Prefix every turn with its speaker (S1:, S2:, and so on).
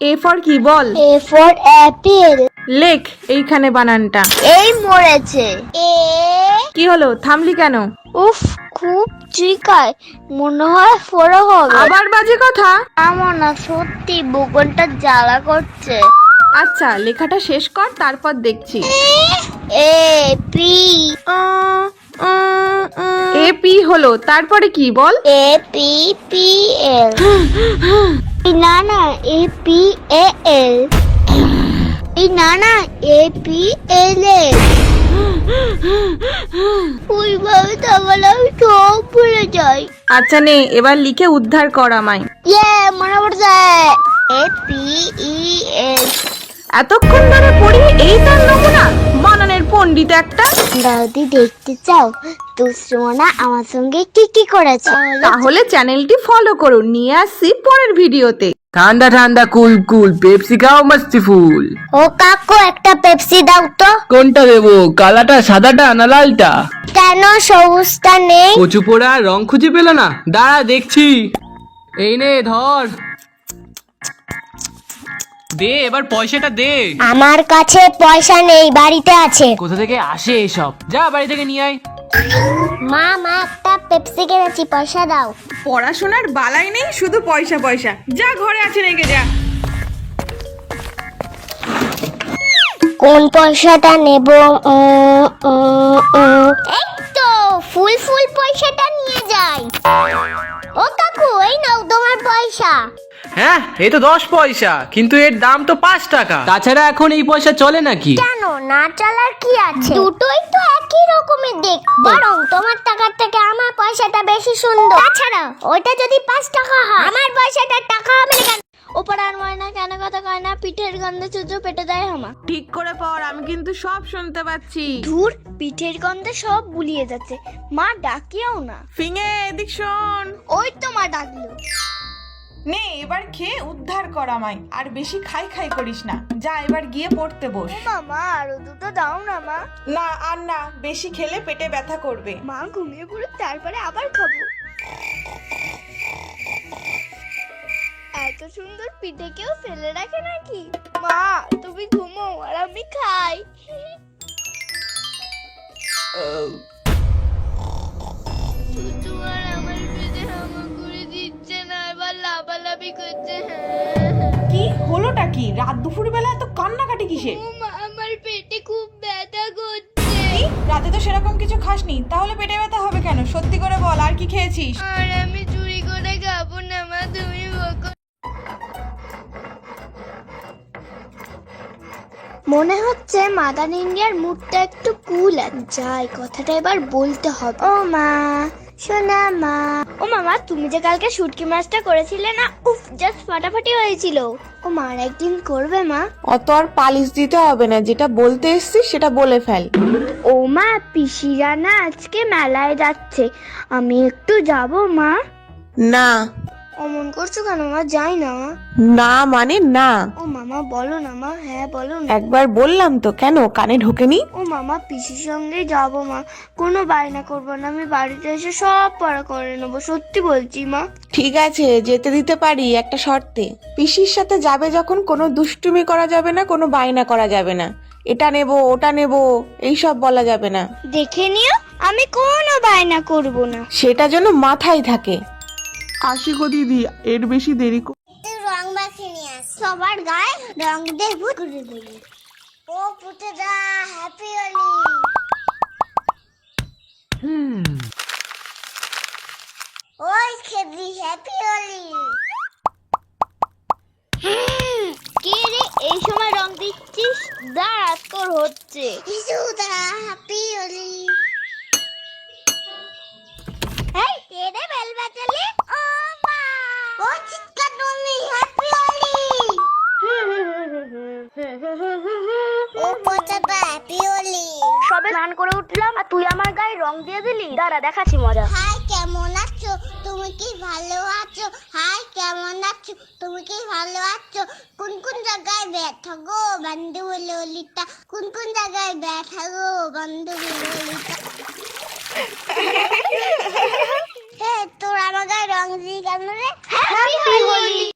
S1: A for কি বল?
S2: A for Apple.
S1: লেখ এইখানে বানানটা।
S2: এই মরেছে। এ
S1: কি হলো, থামলি কেন?
S2: উফ, খুব চিকায়, মনে হয় ফোড়া হবে।
S1: আবার বাজে কথা।
S2: আমার না সত্যি বুকনটা জ্বালা করছে।
S1: আচ্ছা লেখাটা শেষ কর, তারপর দেখছি।
S2: A P.
S1: এ পি হলো, তারপরে কি বল?
S2: A P P L. না না, এ পি এ এল। না না, এ পি এল এল। ওইভাবে তাহলে আমি সব ভুলে যাই।
S1: আচ্ছা নে, এবার লিখে উদ্ধার কর আমায়।
S2: মনে পড়ছে। A P E L.
S1: এতক্ষণ ধরে পড়ি, এই তার নমুনা? বানানের পণ্ডিত একটা।
S2: দাদি দেখতে চাও দুশ্মনা আমার সঙ্গে কি কি করেছে?
S1: তাহলে চ্যানেলটি ফলো করুন। নিয়ে আসছি পরের ভিডিওতে।
S3: ঠান্ডা ঠান্ডা কুল কুল পেপসি খাও মস্তি ফুল।
S2: ও কাকু, একটা পেপসি দাও তো।
S3: কোনটা দেবো, কালাটা সাদাটা না লালটা?
S2: কেন সবুজটা নেই?
S3: কচু পোড়া রং খুঁজে পেল না, দাঁড়া দেখছি। এই নে ধর, দে এবার পয়সাটা দে।
S2: আমার কাছে পয়সা নেই, বাড়িতে আছে।
S3: কোথা থেকে আসে এসব, যা বাড়ি থেকে নিয়ে আয়।
S2: মা মা, একটা পেপসি কিনেছি, পয়সা দাও।
S1: পড়াশোনার বালাই নেই, শুধু পয়সা পয়সা। যা ঘরে আছে রেখে যা।
S2: কোন পয়সাটা নেব? এই তো ফুল ফুল পয়সাটা নিয়ে যাই। ও কাকু, এই নাও তোমার পয়সা।
S3: হ্যাঁ, এই তো 10 পয়সা, কিন্তু এর দাম তো 5 টাকা। তাছাড়া এখন এই পয়সা চলে নাকি?
S2: কেন, না চালার কি আছে? দুটোই তো একই রকমের দেখতে, বরং তোমার টাকার থেকে আমার পয়সাটা বেশি সুন্দর। তাছাড়া ওইটা যদি 5 টাকা হয়, আমার পয়সাটা টাকা হবে না কেন? ওপরার ময়না কেন কথা কয় না, পিঠের গন্ধে চুচু পেটে দেয় হামা।
S1: ঠিক করে পড়, আমি কিন্তু সব শুনতে পাচ্ছি।
S2: ধুর, পিঠের গন্ধে সব গুলিয়ে যাচ্ছে। মা ডাকিও না।
S1: ফিঙে এদিক শোন।
S2: ওই তো মা ডাকলো।
S1: নে এবার খেয়ে উদ্ধার কর আমায়, আর বেশি খাই খাই করিস না। যা এবার গিয়ে পড়তে বস।
S2: মামা, আরো দুটো দাও না মা।
S1: না আর না, বেশি খেলে পেটে ব্যথা করবে।
S2: মা ঘুমিয়ে পড়ুক, তারপরে আবার খাবো। এত সুন্দর পিঠে কেউ ফেলে রাখে নাকি? মা তুমি ঘুমো আর আমি খাই। চুচু আর আমার পেটে হামা করে দিচ্ছে না, এবার লাফালাফি করছে।
S1: কি হলোটা কি? রাত দুপুর বেলা এত কান্নাকাটি কিসে?
S2: ও মা, আমার পেটে খুব ব্যথা করছে।
S1: কি? রাতে তো সেরকম কিছু খাসনি, তাহলে পেটে ব্যথা হবে কেন? সত্যি করে বল, আর কি খেয়েছিস?
S2: আর আমি চুরি করে খাবো না মা, তুমি বকো। মনে হচ্ছে মাদার ইন্ডিয়ার মুডটা একটু কুল আছে। যাই, কথাটা এবার বলতে হবে। ও মা, শোনা মা। ও মামা, তুমি যে কালকে শুটকি মাছটা করেছিলে না, উফ, জাস্ট ফাটাফাটি হয়েছিল। ও মা, একদিন করবে মা?
S1: অত আর পালিশ দিতে হবে না, যেটা বলতে এসছিস সেটা বলে ফেল।
S2: ও মা, পিসিরা না আজকে মেলায় যাচ্ছে, আমি একটু যাব মা।
S1: না।
S2: অমন করছো কেন মা? যাই না মা।
S1: না মানে না।
S2: ও মামা বলো না মা। হ্যাঁ বলো না।
S1: একবার বললাম তো, কেন কানে ঢোকেনি?
S2: ও মামা, পিসির সঙ্গেই যাবো মা, কোনো বায়না করবো না, আমি বাড়িতে এসে সব পড়া করে নেবো, সত্যি বলছি মা।
S1: ঠিক আছে, যেতে দিতে পারি একটা শর্তে। পিসির সাথে যাবে যখন, কোনো দুষ্টুমি করা যাবে না, কোনো বায়না করা যাবে না। এটা নেবো ওটা নেবো এইসব বলা যাবে না।
S2: দেখে নিও, আমি কোনো বায়না করবো না।
S1: সেটা যেন মাথায় থাকে।
S4: আসি গো দিদি, এর বেশি দেরি
S2: রং মাখিয়ে নিয়ে আস, সবার গায়ে রং দিয়ে ভূত করে দিবি। ও পুটেদা, হ্যাপি হোলি। ওই খেদি, হ্যাপি হোলি। কে রে এই সময় রং দিচ্ছিস? দাঁড়া, তোর হচ্ছে। হ্যাপি হোলি। এই কে রে বেল বাজালে? ও মা, ও চিৎকার তুমি, হ্যাপি হোলি। ও পচাটা, হ্যাপি হোলি। সবে স্নান করে উঠলাম আর তুই আমার গায়ে রং দিয়ে দিলি। দাঁড়া, দেখাচ্ছি মজা। হাই, কেমন আছো? তুমি কি ভালো আছো? হাই, কেমন আছো? তুমি কি ভালো আছো? কোন কোন জায়গায় ব্যথা গো বন্ধু ললিতা? কোন কোন জায়গায় ব্যথা গো বন্ধু ললিতা? তোর আমার গায়ে রং দিয়ে কেন রে? হ্যাপি হোলি।